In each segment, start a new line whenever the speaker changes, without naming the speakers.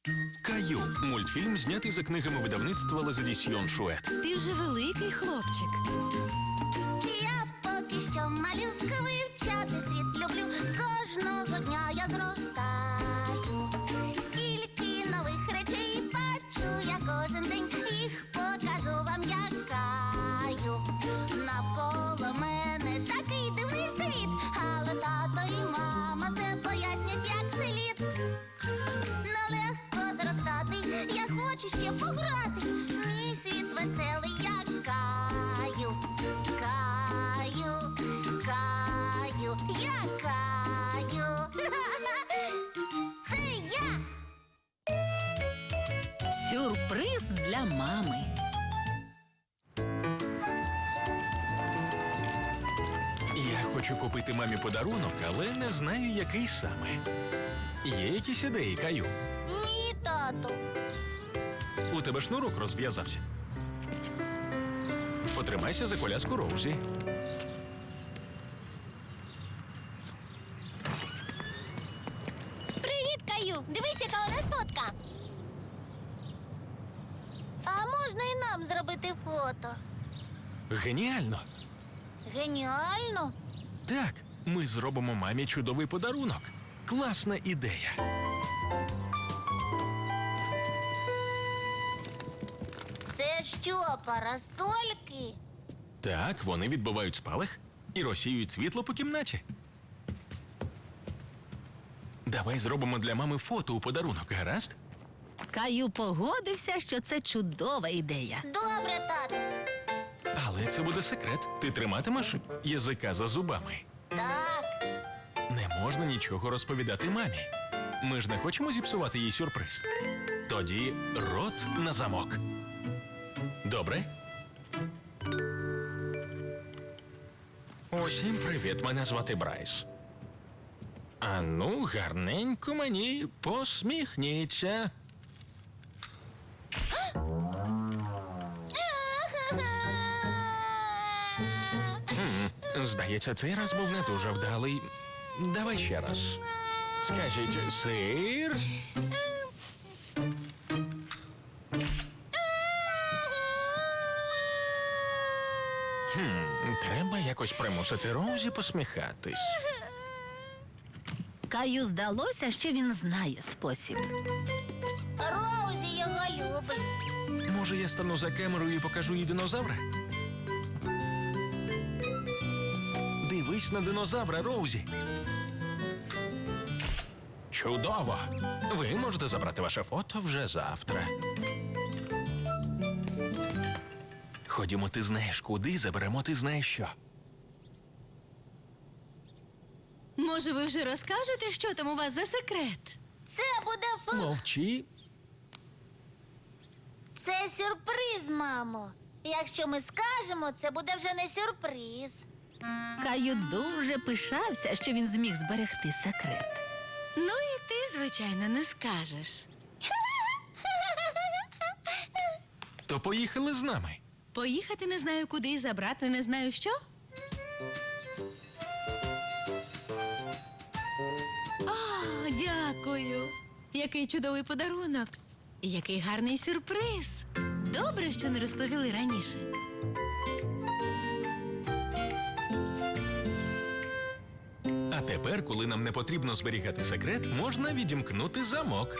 Каю – мультфільм, знятий за книгами видавництва Лазадісьйон Шует.
Ти вже великий хлопчик.
Я поки що малюка, вивчати світ люблю. Кожного дня я зростаю. Стільки нових речей бачу я кожен день. Їх покажу вам, як Каю. Навколо мене такий дивний світ, але тато і мама все пояснять, як слід. Нелегко зростати, я хочу ще пограти. Мій світ веселий, як Каю. Каю, Каю, я Каю. Це я.
Сюрприз для мами.
Я хочу купити мамі подарунок, але не знаю, який саме. Є якісь ідеї, Каю?
Ні, тату.
У тебе шнурок розв'язався. Потримайся за коляску Роузі.
Привіт, Каю. Дивись, яка у нас фотка. А можна і нам зробити фото?
Геніально!
Геніально.
Так, ми зробимо мамі чудовий подарунок. Класна ідея.
Це що, парасольки?
Так, вони відбивають спалах і розсіюють світло по кімнаті. Давай зробимо для мами фото у подарунок, гаразд?
Каю погодився, що це чудова ідея.
Добре, тату.
Але це буде секрет. Ти триматимеш язика за зубами.
Так.
Не можна нічого розповідати мамі. Ми ж не хочемо зіпсувати їй сюрприз. Тоді рот на замок. Добре? Усім привіт, мене звати Брайс. А ну, гарненько мені посміхніться. Здається, цей раз був не дуже вдалий. Давай ще раз. Скажіть, сир? Треба якось примусити Роузі посміхатись.
Каю здалося, що він знає спосіб.
Роузі його любить.
Може, я стану за камерою і покажу їй динозавра? Дивись на динозавра, Роузі. Чудово! Ви можете забрати ваше фото вже завтра. Ходімо, ти знаєш куди, заберемо ти знаєш що.
Може, ви вже розкажете, що там у вас за секрет?
Це буде
Мовчи.
Це сюрприз, мамо. Якщо ми скажемо, це буде вже не сюрприз.
Каю дуже пишався, що він зміг зберегти секрет.
Ну і ти, звичайно, не скажеш.
То поїхали з нами.
Поїхати не знаю куди і забрати не знаю що? О, дякую. Який чудовий подарунок. І який гарний сюрприз. Добре, що не розповіли раніше.
А тепер, коли нам не потрібно зберігати секрет, можна відімкнути замок.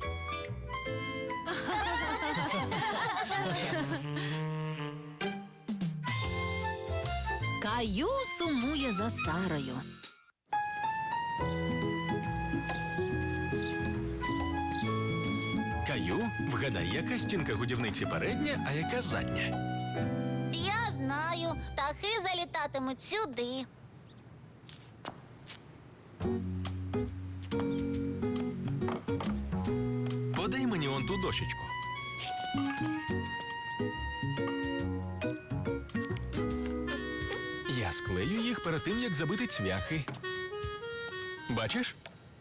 Каю сумує за Сарою.
Каю, вгадай, яка стінка годівниці передня, а яка задня?
Я знаю, птахи залітатимуть сюди.
Подай мені он ту дощечку. Я склею їх перед тим, як забити цвяхи. Бачиш?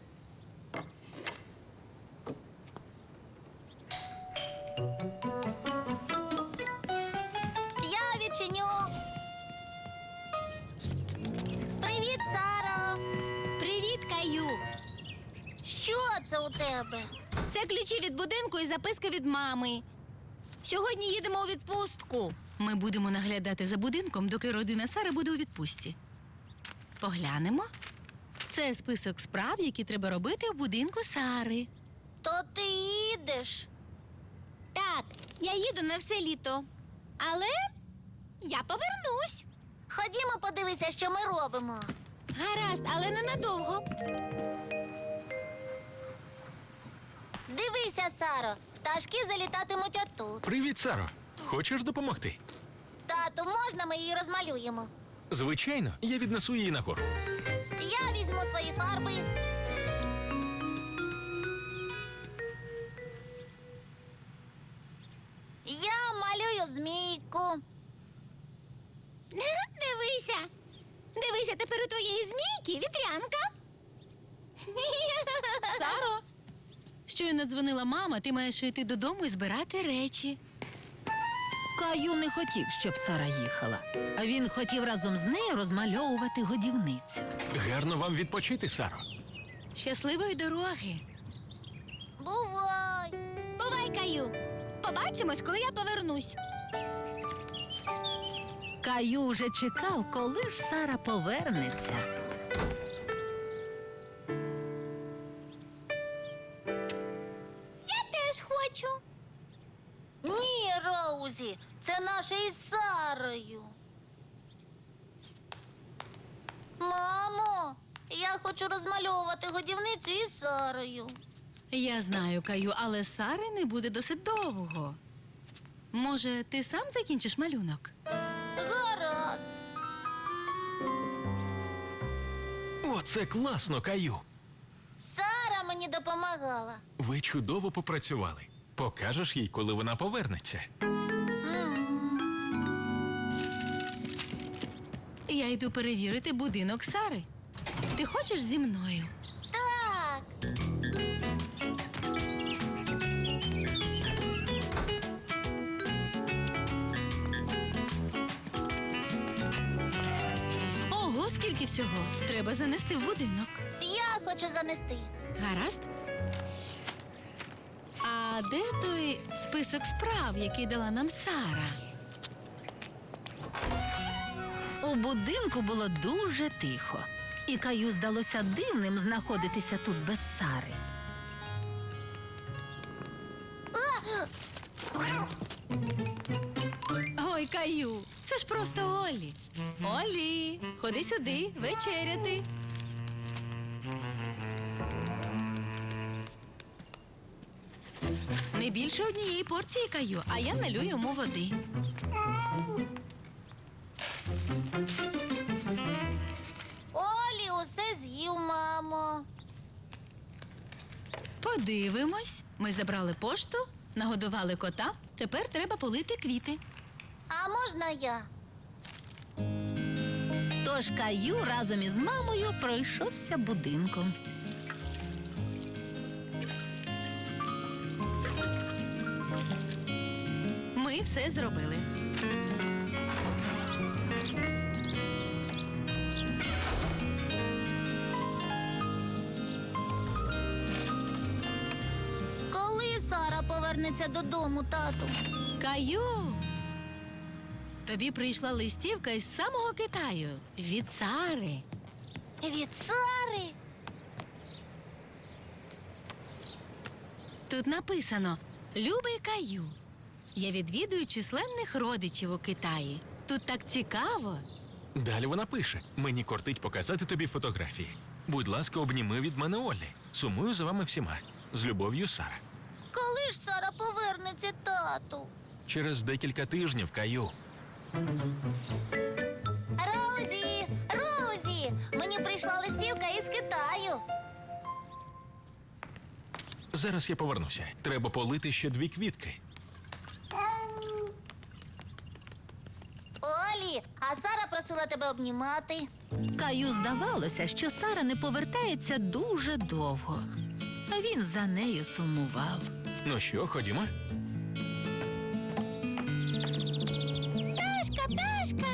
Я відчиню. Привіт, Саро.
Привіт, Каю.
Що це у тебе?
Це ключі від будинку і записка від мами. Сьогодні їдемо у відпустку. Ми будемо наглядати за будинком, доки родина Сари буде у відпустці. Поглянемо. Це список справ, які треба робити у будинку Сари.
То ти їдеш?
Так, я їду на все літо. Але я повернусь.
Ходімо, подивися, що ми робимо.
Гаразд, але ненадовго.
Дивися, Саро, пташки залітатимуть отут.
Привіт, Саро. Хочеш допомогти?
Тату, можна ми її розмалюємо?
Звичайно, я віднесу її нагору.
Я візьму свої фарби. Я малюю змійку.
Дивися. Дивися, тепер у твоєї змійки вітрянка. Саро, щойно дзвонила мама, ти маєш йти додому і збирати речі.
Каю не хотів, щоб Сара їхала. А він хотів разом з нею розмальовувати годівницю.
Гарно вам відпочити, Саро.
Щасливої дороги.
Бувай.
Бувай, Каю. Побачимось, коли я повернусь.
Каю вже чекав, коли ж Сара повернеться.
Я теж хочу.
Ні, Роузі, це наше із Сарою. Мамо, я хочу розмальовувати годівницю із Сарою.
Я знаю, Каю, але Сари не буде досить довго. Може, ти сам закінчиш малюнок?
Гаразд.
Оце класно, Каю.
Сара мені допомагала.
Ви чудово попрацювали. Покажеш їй, коли вона повернеться.
Я йду перевірити будинок Сари. Ти хочеш зі мною?
Так.
Ого, скільки всього. Треба занести в будинок.
Я хочу занести.
Гаразд. А де той список справ, який дала нам Сара?
У будинку було дуже тихо. І Каю здалося дивним знаходитися тут без Сари.
Ой, Каю, це ж просто Олі. Олі, ходи сюди, вечеряти. Не більше однієї порції, Каю, а я налю йому води.
Олі усе з'їв, мамо.
Подивимось. Ми забрали пошту, нагодували кота. Тепер треба полити квіти.
А можна я?
Тож Каю разом із мамою пройшовся будинком.
Ми все зробили.
Коли Сара повернеться додому, тату?
Каю! Тобі прийшла листівка із самого Китаю. Від Сари.
Від Сари?
Тут написано «Любий Каю». Я відвідую численних родичів у Китаї. Тут так цікаво.
Далі вона пише: мені кортить показати тобі фотографії. Будь ласка, обніми від мене Оллі. Сумую за вами всіма. З любов'ю, Сара.
Коли ж Сара повернеться, тату?
Через декілька тижнів, Каю.
Роузі! Роузі! Мені прийшла листівка із Китаю.
Зараз я повернуся. Треба полити ще 2 квітки.
Олі, а Сара просила тебе обнімати.
Каю здавалося, що Сара не повертається дуже довго. А він за нею сумував.
Ну що, ходімо?
Пташка, пташка!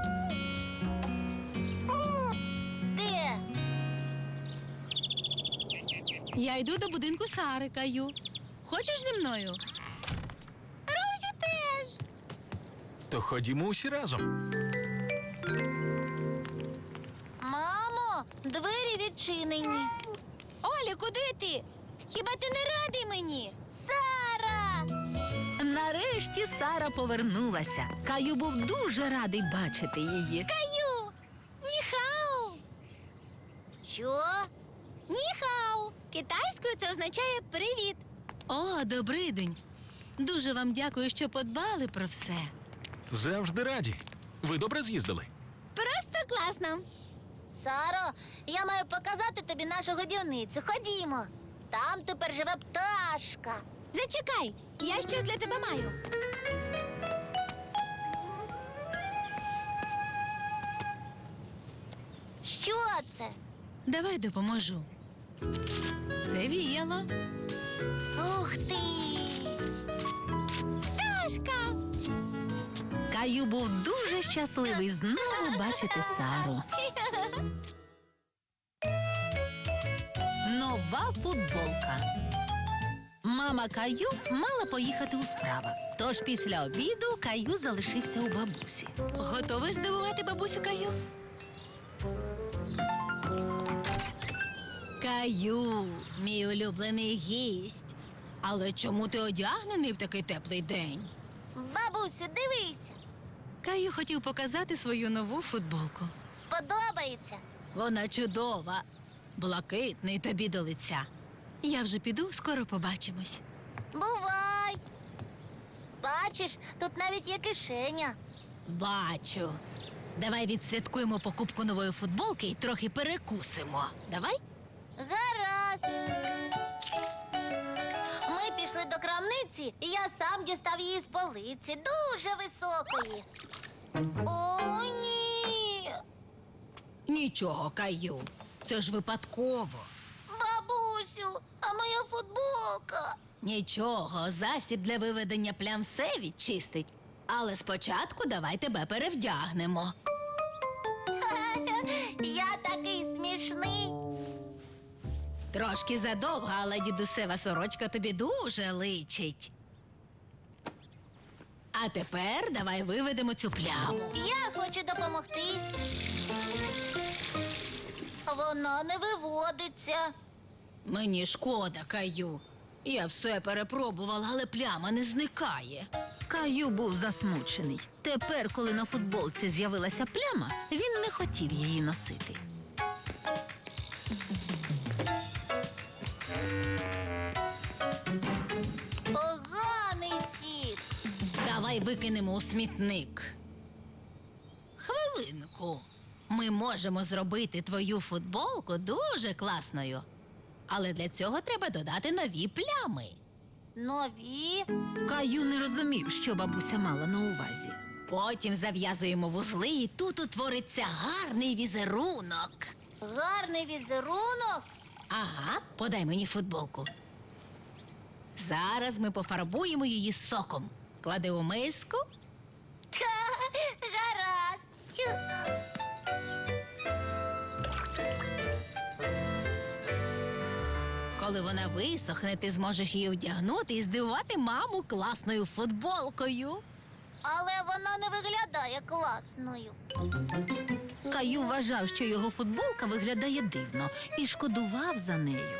Де?
Я йду до будинку Сари, Каю. Хочеш зі мною? Розі теж.
То ходімо усі разом.
Мамо, двері відчинені.
Оля, куди ти? Хіба ти не радий мені?
Сара!
Нарешті Сара повернулася. Каю був дуже радий бачити її.
Каю! Ніхау!
Що?
Ніхау! Китайською це означає привіт. О, добрий день. Дуже вам дякую, що подбали про все.
Завжди раді. Ви добре з'їздили?
Просто класно.
Саро, я маю показати тобі нашу годівницю. Ходімо. Там тепер живе пташка.
Зачекай, я щось для тебе маю.
Що це?
Давай допоможу. Це віяло.
Ух ти!
Пташка!
Каю був дуже щасливий знову бачити Сару. Нова футболка. Мама Каю мала поїхати у справах. Тож після обіду Каю залишився у бабусі.
Готовий здивувати бабусю Каю? Каю, мій улюблений гість. Але чому ти одягнений в такий теплий день?
Бабусю, дивися.
Каю хотів показати свою нову футболку.
Подобається.
Вона чудова, блакитний тобі до лиця. Я вже піду, скоро побачимось.
Бувай. Бачиш, тут навіть є кишеня.
Бачу. Давай відсвяткуємо покупку нової футболки і трохи перекусимо. Давай?
Гаразд. Ми пішли до крамниці, і я сам дістав її з полиці, дуже високої. О, ні.
Нічого, Каю. Це ж випадково.
Бабусю, а моя футболка.
Нічого, засіб для виведення плям все відчистить. Але спочатку давай тебе перевдягнемо.
Я такий смішний.
Трошки задовга, але дідусева сорочка тобі дуже личить. А тепер давай виведемо цю пляму.
Я хочу допомогти. Вона не виводиться.
Мені шкода, Каю. Я все перепробувала, але пляма не зникає.
Каю був засмучений. Тепер, коли на футболці з'явилася пляма, він не хотів її носити.
Поганий сік.
Давай викинемо у смітник. Хвилинку. Ми можемо зробити твою футболку дуже класною. Але для цього треба додати нові плями.
Нові.
Каю не розумів, що бабуся мала на увазі.
Потім зав'язуємо вузли, і тут утвориться гарний візерунок.
Гарний візерунок.
Ага, подай мені футболку. Зараз ми пофарбуємо її соком. Клади у миску.
Гаразд.
Коли вона висохне, ти зможеш її одягнути і здивувати маму класною футболкою.
Але вона не виглядає класною.
Каю вважав, що його футболка виглядає дивно, і шкодував за нею.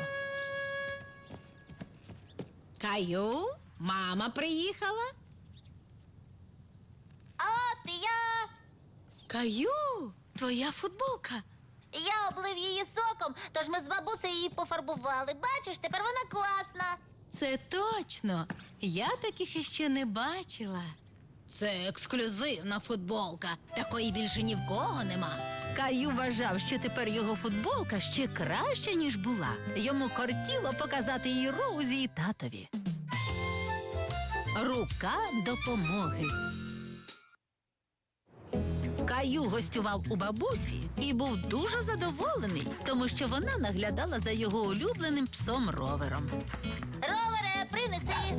Каю, мама приїхала.
От я.
Каю, твоя футболка.
Я облив її соком, тож ми з бабусею її пофарбували. Бачиш, тепер вона класна.
Це точно. Я таких іще не бачила. Це ексклюзивна футболка. Такої більше ні в кого нема.
Каю вважав, що тепер його футболка ще краща, ніж була. Йому кортіло показати її Роузі і татові. Рука допомоги. Каю гостював у бабусі і був дуже задоволений, тому що вона наглядала за його улюбленим псом Ровером.
Ровере, принеси.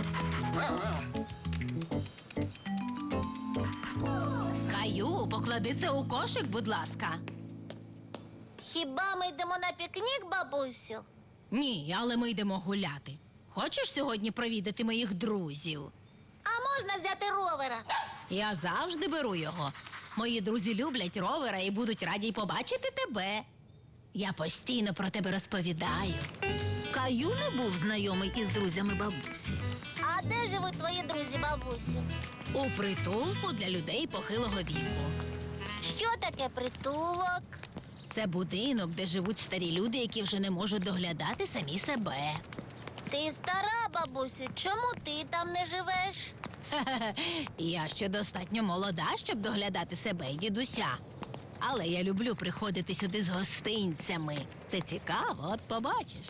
Каю, поклади це у кошик, будь ласка.
Хіба ми йдемо на пікнік, бабусю?
Ні, але ми йдемо гуляти. Хочеш сьогодні провідати моїх друзів?
А можна взяти ровера?
Я завжди беру його. Мої друзі люблять ровера і будуть раді й побачити тебе. Я постійно про тебе розповідаю.
Каю не був знайомий із друзями бабусі.
А де живуть твої друзі, бабусю?
У притулку для людей похилого віку.
Що таке притулок?
Це будинок, де живуть старі люди, які вже не можуть доглядати самі себе.
Ти стара, бабусю, чому ти там не живеш?
Я ще достатньо молода, щоб доглядати себе і дідуся. Але я люблю приходити сюди з гостинцями. Це цікаво, от побачиш.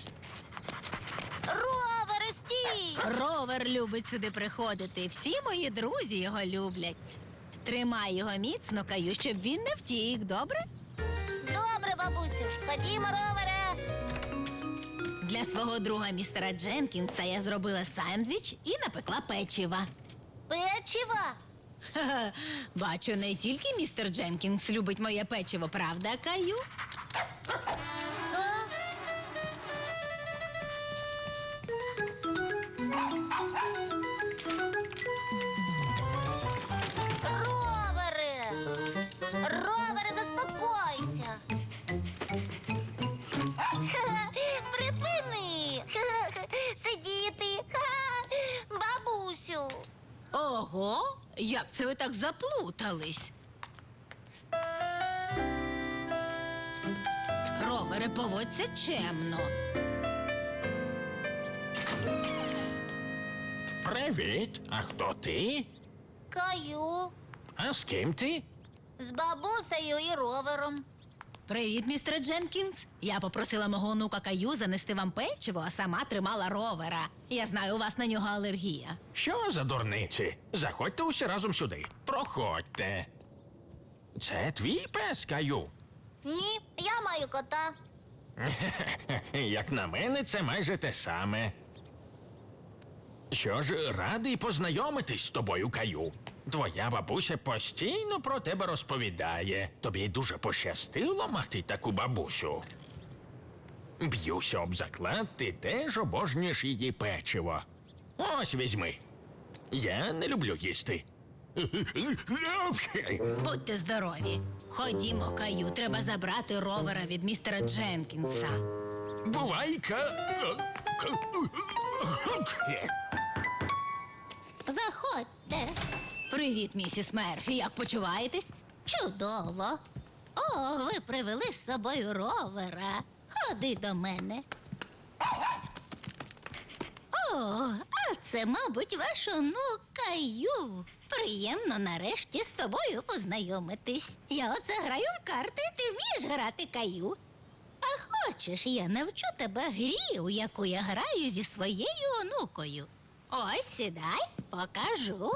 Ровер, стій!
Ровер любить сюди приходити. Всі мої друзі його люблять. Тримай його міцно, Каю, щоб він не втік, добре?
Добре, бабусю, ходімо, ровере.
Для свого друга містера Дженкінса я зробила сендвіч і напекла печива.
Печива?
Ха-ха, бачу, не тільки містер Дженкінс любить моє печиво, правда, Каю?
А? Ровере! Ровере, заспокойся! Припини! Сидіти! Бабусю!
Ого, як це ви так заплутались? Ровере, поводься чемно.
Привіт, а хто ти?
Каю!
А з ким ти?
З бабусею і ровером.
Привіт, містере Дженкінс. Я попросила мого онука Каю занести вам печиво, а сама тримала ровера. Я знаю, у вас на нього алергія.
Що за дурниці? Заходьте усі разом сюди. Проходьте. Це твій пес, Каю?
Ні, я маю кота.
Як на мене, це майже те саме. Що ж, радий познайомитись з тобою, Каю. Твоя бабуся постійно про тебе розповідає. Тобі дуже пощастило мати таку бабусю. Б'юся об заклад, ти теж обожнюєш її печиво. Ось візьми. Я не люблю їсти.
Будьте здорові. Ходімо, Каю, треба забрати ровера від містера Дженкінса.
Бувай-ка.
Заходьте.
Привіт, місіс Мерфі, як почуваєтесь?
Чудово. О, ви привели з собою ровера. Ходи до мене. О, а це, мабуть, ваш онук Каю. Приємно нарешті з тобою познайомитись. Я оце граю в карти, ти вмієш грати, Каю. А хочеш, я навчу тебе грі, у яку я граю зі своєю онукою. Ось сідай, покажу.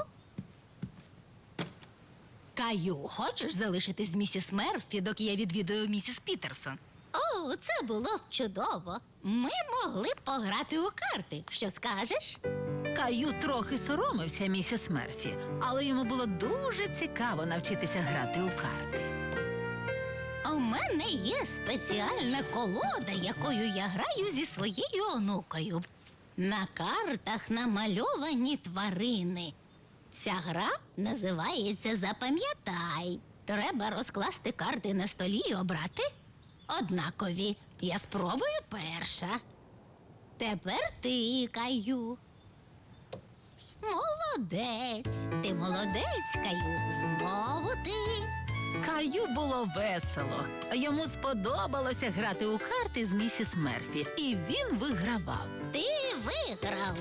Каю, хочеш залишитись з місіс Мерфі, доки я відвідую місіс Пітерсон?
О, це було б чудово. Ми могли б пограти у карти. Що скажеш?
Каю трохи соромився місіс Мерфі, але йому було дуже цікаво навчитися грати у карти.
У мене є спеціальна колода, якою я граю зі своєю онукою. На картах намальовані тварини. Ця гра називається «Запам'ятай». Треба розкласти карти на столі і обрати однакові. Я спробую перша. Тепер ти, Каю. Молодець. Ти молодець, Каю. Знову ти.
Каю було весело. Йому сподобалося грати у карти з місіс Мерфі, і він вигравав.
Ти виграв.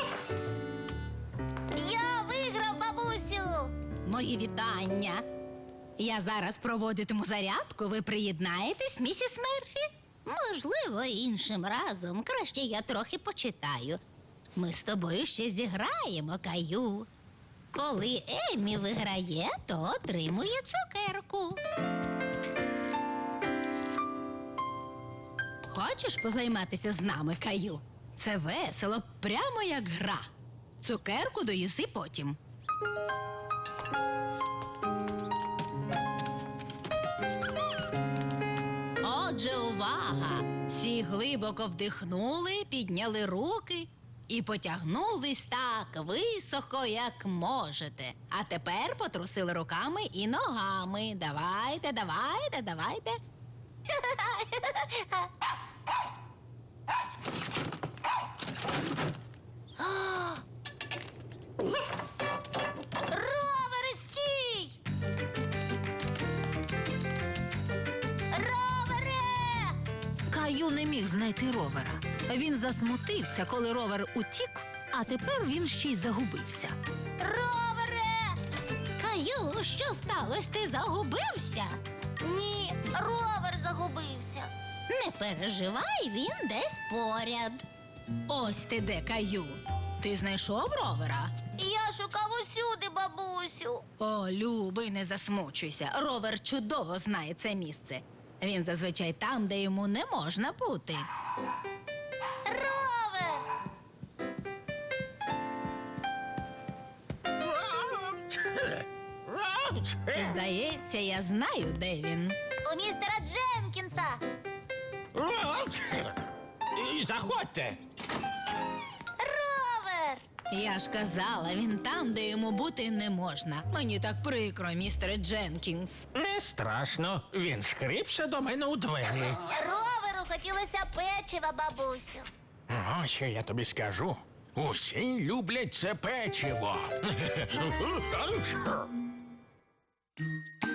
Я виграв, бабусю.
Мої вітання. Я зараз проводитиму зарядку, ви приєднаєтесь, місіс Мерфі?
Можливо, іншим разом. Краще я трохи почитаю. Ми з тобою ще зіграємо, Каю. Коли Еммі виграє, то отримує цукерку.
Хочеш позайматися з нами, Каю? Це весело, прямо як гра. Цукерку доїси потім. Отже, увага! Всі глибоко вдихнули, підняли руки і потягнулись так високо, як можете. А тепер потрусили руками і ногами. Давайте, давайте, давайте.
Ровери, стій! Ровере!
Каю не міг знайти ровера. Він засмутився, коли ровер утік, а тепер він ще й загубився.
Ровере!
Каю, що сталося? Ти загубився?
Ні, ровер загубився.
Не переживай, він десь поряд. Ось ти де, Каю. Ти знайшов ровера?
Я шукав усюди, бабусю.
О, любий, не засмучуйся. Ровер чудово знає це місце. Він зазвичай там, де йому не можна бути.
Ровер!
Здається, я знаю, де він.
У містера Дженкінса.
Заходьте.
Ровер!
Я ж казала, він там, де йому бути не можна. Мені так прикро, містере Дженкінс.
Не страшно. Він шкріпся до мене у двері.
Роверу хотілося печива, бабусю.
Ось що я тобі скажу. Усі люблять це печиво.